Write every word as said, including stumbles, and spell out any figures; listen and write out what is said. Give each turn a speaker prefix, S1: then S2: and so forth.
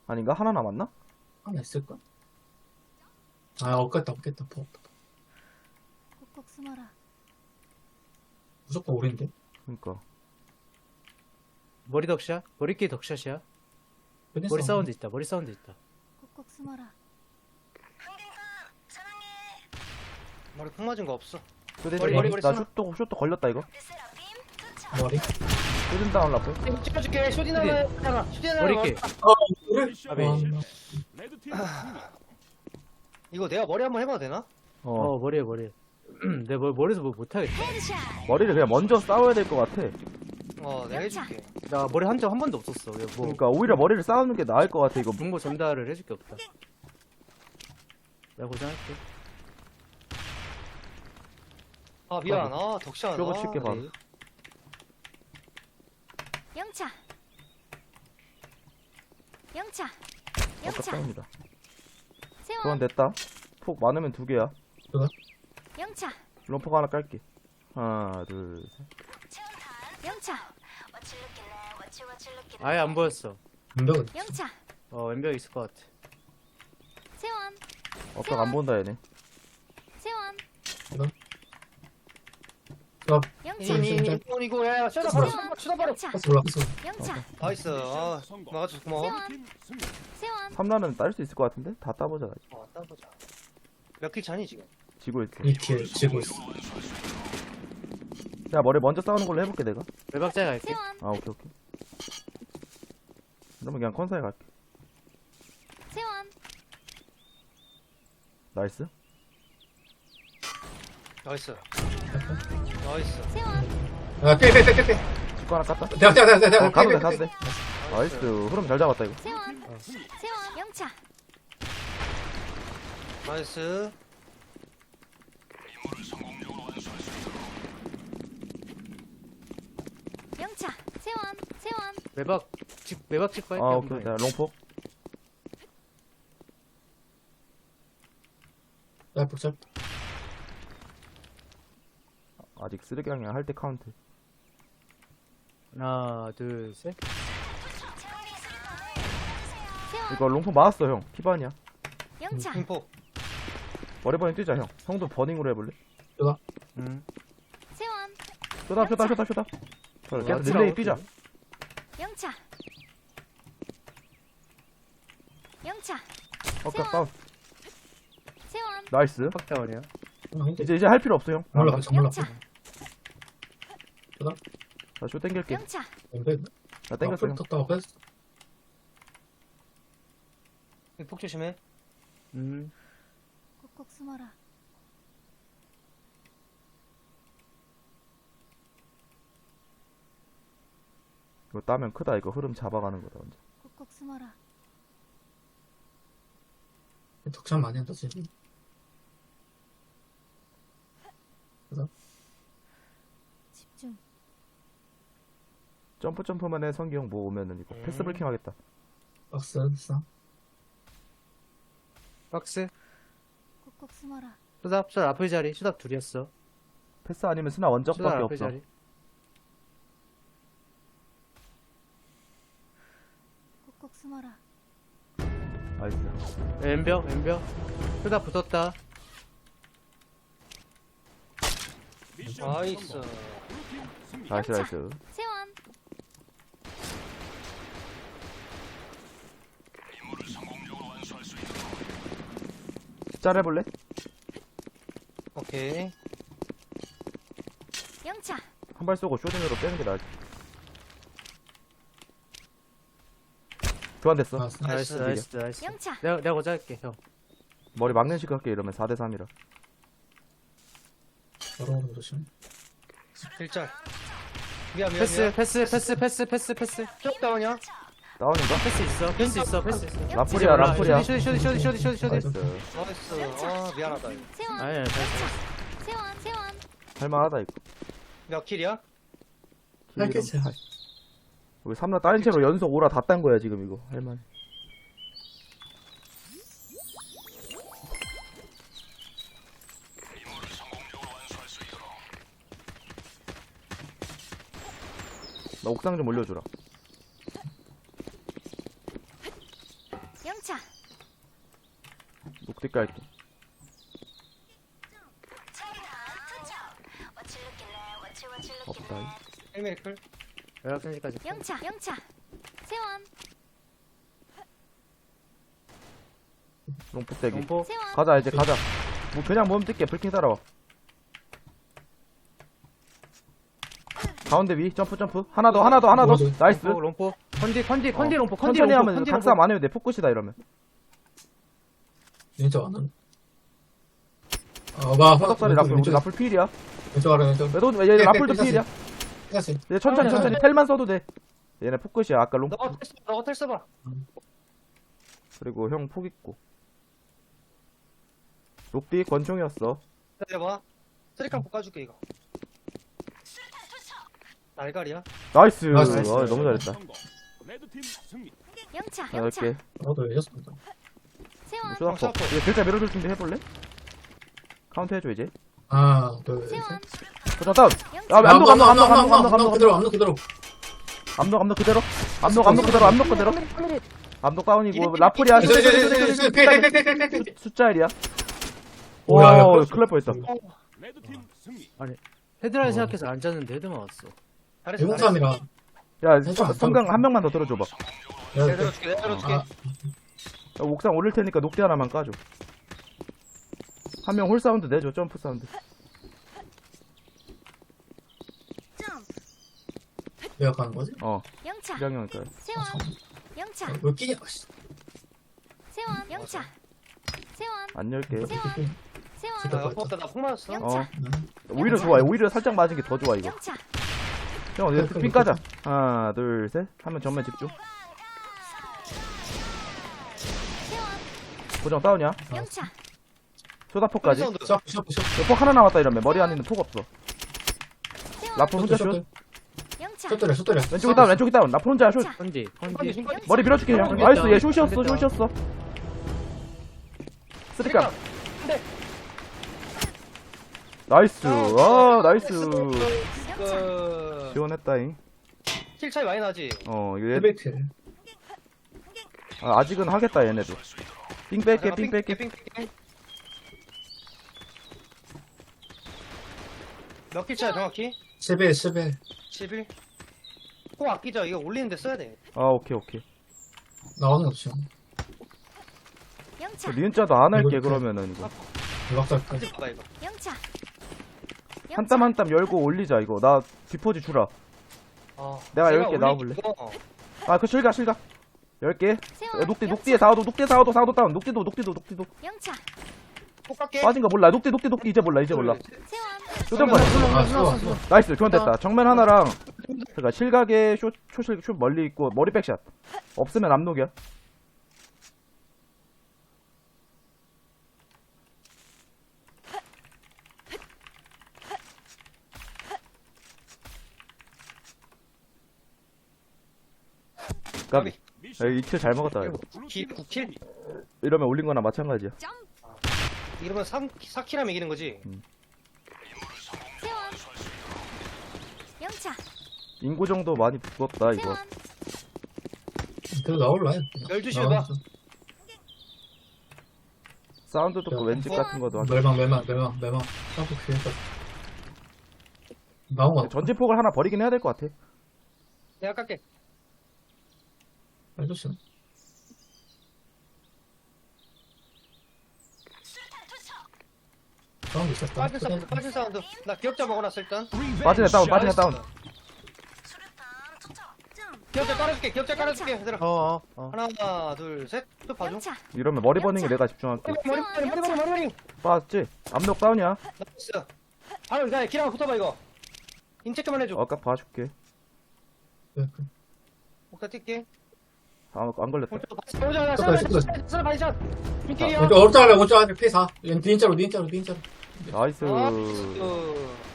S1: 아닌가? 하나 남았나?
S2: 하나 있을까? 아, 없겠다, 없겠다. 더 없다.
S3: 꼭꼭 숨어라.
S2: 무조건 오랜데?
S1: 그니까.
S4: 머리 덕샷? 머리끼리 덕샷이야?
S2: 끝냈어.
S4: 머리 사운드 있다. 머리 사운드 있다.
S3: 꼭꼭 숨어라.
S4: 머리 콩 맞은 거 없어.
S1: 쇼딘
S4: 머리,
S1: 머리,
S4: 머리
S1: 나
S4: 쓰나?
S1: 슛도 슛도 걸렸다 이거.
S2: 머리?
S1: 쇼딘 다운 라플.
S4: 찍어줄게. 쇼딘 하나 하나. 쇼딘 하나. 머리끼리.
S2: 아, 그래?
S4: 아비.
S2: 아,
S5: 레드팀
S6: 이거 내가 머리 한번 해봐도 되나?
S1: 어.
S4: 어 머리에 머리에. 내 머, 머리에서 뭐 못하겠다.
S1: 머리를 그냥 먼저 싸워야 될 것 같아.
S6: 어 내가 해줄게.
S4: 나 머리 한 적 한 번도 없었어. 뭐
S1: 그러니까 오히려 머리를 싸우는 게 나을 것 같아 이거.
S4: 정보 전달을 해줄 게 없다. 내가 고생할게.
S6: 아 미안. 아 덕샷.
S1: 뼈가
S6: 아,
S1: 칠게 바로.
S4: 네.
S3: 영차. 영차.
S1: 아까
S3: 영차.
S1: 싸웁니다.
S3: 세원.
S1: 교환 됐다. 폭 많으면 두 개야.
S3: 영차.
S1: 롬폭 하나 깔게. 하나 둘 셋.
S3: 영차.
S4: 아예 안 보였어.
S2: 왼벽은
S3: 영차.
S4: 어 왼벽 있을 것 같아.
S3: 세원.
S1: 어딱 안 본다 얘네.
S3: 세원.
S2: 아,
S3: 영차.
S2: 음.
S6: 이니 이거 야야 셔다 바로 셔다 바로.
S3: 영차.
S2: 패스 올라갔어.
S3: 영차.
S6: 나이스. 아 막아줘서 고마워.
S3: 세원. 세원.
S1: 삼 라는 딸 수 있을 것 같은데? 다 따보자.
S6: 어 따보자. 몇 킬 차니 지금?
S1: 지고 있어.
S2: 이 킬 지고 있어.
S1: 야 머리 먼저 싸우는 걸로 해볼게 내가.
S4: 외박자에 갈게.
S3: 세원.
S1: 아 오케이 오케이. 그러면 그냥 컨사에 갈게.
S3: 세원.
S1: 나이스.
S6: 나이스. 나이스.
S3: 세원.
S2: 아, 빼, 빼, 빼, 빼, 빼.
S1: 축구 하나 깠다.
S2: 내가, 내가, 내가, 내가.
S1: 어, 가도 돼
S2: 빼,
S1: 가도
S2: 빼,
S1: 돼.
S2: 빼.
S1: 나이스. 흐름 잘 잡았다 이거.
S3: 세원. 세원. 영차.
S6: 나이스.
S3: 영차. 세원. 세원.
S4: 외박 집 외박 집 갈게.
S1: 아
S4: 한
S1: 오케이.
S4: 번에.
S1: 야 롱폭.
S2: 야, 복잡.
S1: 아직 쓰레기랑이랑 할 때 카운트.
S4: 하나 둘 셋.
S3: 세원.
S1: 이거 롱폭 맞았어 형. 피반이야.
S3: 영차.
S6: 핑포.
S1: 머리 버닝 뛰자 형. 형도 버닝으로 해볼래?
S4: 응.
S3: 세원.
S1: 쇼다 쇼다 쇼다 쇼다. 저 계속
S4: 맞지라고,
S1: 릴레이 뛰자.
S3: 영차. 영차.
S1: 어까 다운.
S3: 세원.
S1: 나이스.
S4: 팍다운이야.
S2: 아, 힘들어.
S1: 이제 이제 할 필요 없어 형.
S2: 올라가, 정 올라가.
S3: 영차.
S1: 나쇼 땡길게.
S3: 영차.
S2: 왼벽.
S1: 나 땡겼어 형.
S2: 떴다가 뺐어.
S6: 폭 조심해.
S4: 음.
S3: 꼭꼭 숨어라.
S1: 이거 따면 크다 이거. 흐름 잡아가는 거다 완전.
S3: 꼭꼭 숨어라.
S2: 덕참 많이 한다, 지금.
S3: 집중.
S1: 점프 점프만 해 성기 형 뭐 오면은 이거 패스
S6: 음.
S1: 브레이킹 하겠다.
S2: 박스, 싸.
S4: 박스.
S3: 꼭꼭 숨어라.
S4: 수답 수답 앞의 자리. 수답 둘이었어.
S1: 패스 아니면 스나
S4: 수답
S1: 원적밖에
S4: 앞의
S1: 없어.
S4: 자리.
S3: 꼭꼭 숨어라.
S1: 나이스.
S4: 왼벽 왼벽. 수답 붙었다.
S5: 미션
S6: 나이스.
S5: 성공.
S1: 나이스
S3: 영차.
S1: 나이스.
S3: 세원.
S1: 짤 해볼래?
S6: 오케이.
S3: 영차.
S1: 한 발 쏘고 쇼딩으로 빼는 게 나을. 교환됐어.
S2: 아,
S4: 나이스
S6: 나이스.
S4: 나이스 나이스.
S3: 영차.
S4: 내가 내가 먼저 할게 형.
S1: 머리 막는 식 할게 이러면 사 대 삼이라.
S2: 걸어오는 거 조심.
S6: 일짤. 미안 미안
S4: 패스
S6: 미안.
S4: 패스 패스 패스 패스 패스.
S6: 쪽 다운이야?
S1: 다운인가?
S4: 패스 있어 패스 있어 패스 있어.
S1: 라플이야 라플이야.
S4: 쇼디 쇼디 쇼디 쇼디 쇼디 쇼디.
S1: 나이스.
S6: 나이스. 아 미안하다. 이거.
S3: 세원.
S4: 아니야 잘
S3: 영차. 세원. 세원.
S1: 할만하다 이거.
S6: 몇 킬이야?
S2: 알겠지.
S1: 우리 삼 라 따인 채로 연속 오라 다 딴 거야 지금 이거. 할만. 나 옥상 좀 올려주라.
S3: 영차.
S1: 녹디 깔게. 없다.
S6: 헬메리클.
S4: 연락 센지까지.
S3: 영차. 영차. 세원.
S1: 롱포 세기.
S4: 공포.
S3: 세원.
S1: 가자 이제 가자. 뭐 그냥 몸 뛸게. 불킹 따라와. 가운데 위 점프 점프. 하나 더 하나 더 하나 더.
S2: 뭐지?
S1: 나이스.
S4: 롱포, 롱포. 컨디, 컨디, 컨디
S1: 어,
S4: 롱포, 컨디
S1: 천천히
S4: 롱포,
S1: 하면
S4: 컨디
S1: 각삼
S4: 롱포.
S1: 안 해도 돼. 포커시다 이러면.
S2: 왼쪽 안 하네. 어, 봐.
S1: 화덕살이 라플 우리
S2: 왼쪽,
S1: 라플 필이야.
S2: 왼쪽 아래, 왼쪽.
S1: 얘도 얘 라플도 필이야.
S2: 삐갔어.
S1: 얘 천천히 천천히 텔만 써도 돼. 얘네 포커시야. 아까 롱.
S6: 너가 텔 써봐, 너가 텔 써봐.
S1: 그리고 형 폭 있고. 녹디 권총이었어.
S6: 기다려봐. 쓰리칸 볶아줄게, 이거. 날갈이야?
S1: 나이스.
S2: 나이스.
S1: 아, 너무 잘했다.
S5: 성공. 레드팀 승리.
S3: 영차.
S1: 자,
S3: 영차.
S1: 이렇게.
S2: 나도 이겼습니다.
S3: 세원.
S1: 쏘았고. 얘 글자 밀어줄 준비 해볼래? 카운트 해줘 이제.
S2: 하나, 둘, 셋.
S3: 세원.
S1: 도전 다운.
S3: 영차.
S1: 아, 암록 암록 암록 암록 암록
S2: 암록
S1: 암록
S2: 그대로, 암록 그대로.
S1: 암록 암록 그대로. 암록 암록 그대로 암록 그대로. 암록 다운이고 라플이야.
S2: 저기, 저기, 저기, 저기, 저기, 필, 필, 필, 필, 필, 필.
S1: 숫자 일이야.
S2: 오, 야, 야,
S1: 와,
S2: 그렇지.
S1: 큰일 날 뻔했다.
S5: 레드팀 승리.
S4: 헤드라인
S2: 어.
S4: 생각해서 안 잤는데 헤드 맞았어.
S6: 잘했어, 잘했어.
S2: 대공삼이라.
S1: 야,
S2: 괜찮아,
S1: 성강 한 명만 더 들어줘봐.
S6: 내가 들어줄게, 내가 들어줄게.
S2: 아,
S1: 야, 옥상 올릴 테니까 녹대 하나만 까줘. 한 명 홀 사운드 내줘, 점프 사운드.
S2: 내가 가는 거지?
S1: 어,
S3: 영차.
S1: 이장형일까.
S3: 세원. 영차.
S2: 왜 끼냐? 씨.
S3: 세원. 영차. 세원.
S1: 안 열게.
S3: 세원. 세원.
S6: 나 옆에 나폭 맞았어.
S3: 영차.
S1: 어, 오히려 좋아. 오히려 살짝 맞은 게 더 좋아, 이거.
S3: 영차.
S1: 형, 이제 핀 까자. 하나, 둘, 셋. 하면 전면 집중.
S3: 세원.
S1: 고정 다운이야.
S3: 영차.
S1: 소다폭까지.
S6: 사운드.
S2: 샤프, 샤프, 샤프.
S1: 폭 하나 남았다 이러면 머리 안에는 폭 없어.
S3: 세원.
S1: 라플 혼자 슛.
S2: 셔틀,
S3: 영차.
S2: 셔틀이야, 셔틀이야.
S1: 왼쪽이 다운, 왼쪽이 다운. 라플 혼자 슛.
S3: 영차.
S4: 컨디,
S6: 컨디,
S4: 컨디.
S6: 컨디.
S1: 머리 밀어줄게, 형.
S4: 됐다.
S1: 나이스, 얘 슛이었어,
S4: 됐다.
S1: 슛이었어. 쓰리깡. 나이스. 아, 나이스.
S6: 그,
S1: 지원했다잉.
S6: 킬 차이 많이 나지?
S1: 어, 이거 얘,
S2: 헬베이트.
S1: 아, 아직은 하겠다, 얘네도. 삥 뺄게, 삥 뺄게.
S6: 삥 뺄게. 몇 킬 차야, 정확히?
S2: 세배, 세배.
S6: 십일? 꼭 아끼자. 이거 올리는데 써야 돼.
S1: 아, 오케이, 오케이.
S2: 나오는 거지.
S3: 영차.
S1: 니은자도 안 할게,
S2: 이거
S1: 그러면은, 이거.
S2: 대박살.
S6: 같이 봐봐, 이거.
S3: 영차.
S1: 한 땀 한 땀 열고 올리자, 이거. 나 디포지 주라.
S6: 어.
S1: 내가
S6: 제가
S1: 열 개
S6: 올리기
S1: 나와볼래?
S6: 이거
S1: 아, 그 실가, 실가. 열 개.
S3: 세원.
S1: 녹디,
S3: 영차.
S1: 녹디에 사오도, 녹디에 사오도, 사오도 다운. 녹디도, 녹디도, 녹디도.
S3: 영차.
S6: 꼭 갈게.
S1: 빠진 거 몰라. 녹디, 녹디, 녹디. 이제 몰라, 이제 몰라.
S3: 세원.
S1: 쇼정권.
S2: 아, 수고, 수고.
S1: 나이스, 교환됐다. 정면 하나랑, 그니까 실각에 쇼, 쇼실, 쇼 멀리 있고, 머리 백샷. 없으면 압록이야. 까비.
S5: 미션
S1: 야, 이킬 잘 먹었다, 이거.
S6: 기, 구 킬?
S1: 이러면 올린 거나 마찬가지야.
S6: 이러면 삼, 사 킬하면 이기는 거지?
S3: 세원. 영차.
S1: 인구 정도 많이 붙었다, 이거.
S3: 세원.
S2: 그래도 나올라.
S6: 열두 시에 봐.
S1: 사운드 듣고
S2: 야,
S1: 왼집 같은 거도 하고.
S2: 멸망, 멸망, 멸망, 멸망. 샤프 피했다. 나온 거 같아.
S1: 전진폭을 하나 버리긴 해야 될 것 같아.
S6: 내가 깎게.
S2: 해줬어. 사운드 있었다.
S6: 빠진 사운드, 빠진 사운드. 나 기억자 먹어놨어, 일단.
S1: 빠지네, 다운, 빠지네, 다운.
S6: 기억자 깔아줄게, 기억자 깔아줄게, 얘들아.
S4: 어, 어, 어.
S6: 하나, 둘, 셋. 또 봐줘.
S3: 영차.
S1: 이러면 머리 버닝에 내가 집중할게.
S6: 머리, 머리, 머리, 머리, 머리, 머리.
S1: 빠졌지? 압록 다운이야.
S6: 나이스. 바로 이거 기랑 붙어봐, 이거. 인체크만 해줘.
S1: 아까 봐줄게.
S2: 네,
S6: 목사 뛸게.
S1: 아, 안 걸렸다.
S6: 오자, 오자,
S2: 떴다,
S6: 쓰나,
S2: 떴다.
S6: 쓰나, 반샷. 빈킬이야.
S2: 왼쪽 오른쪽 할래, 오른쪽 할래. 피 사. 닌자로, 닌자로, 닌자로.
S1: 나이스.
S6: 아, 그,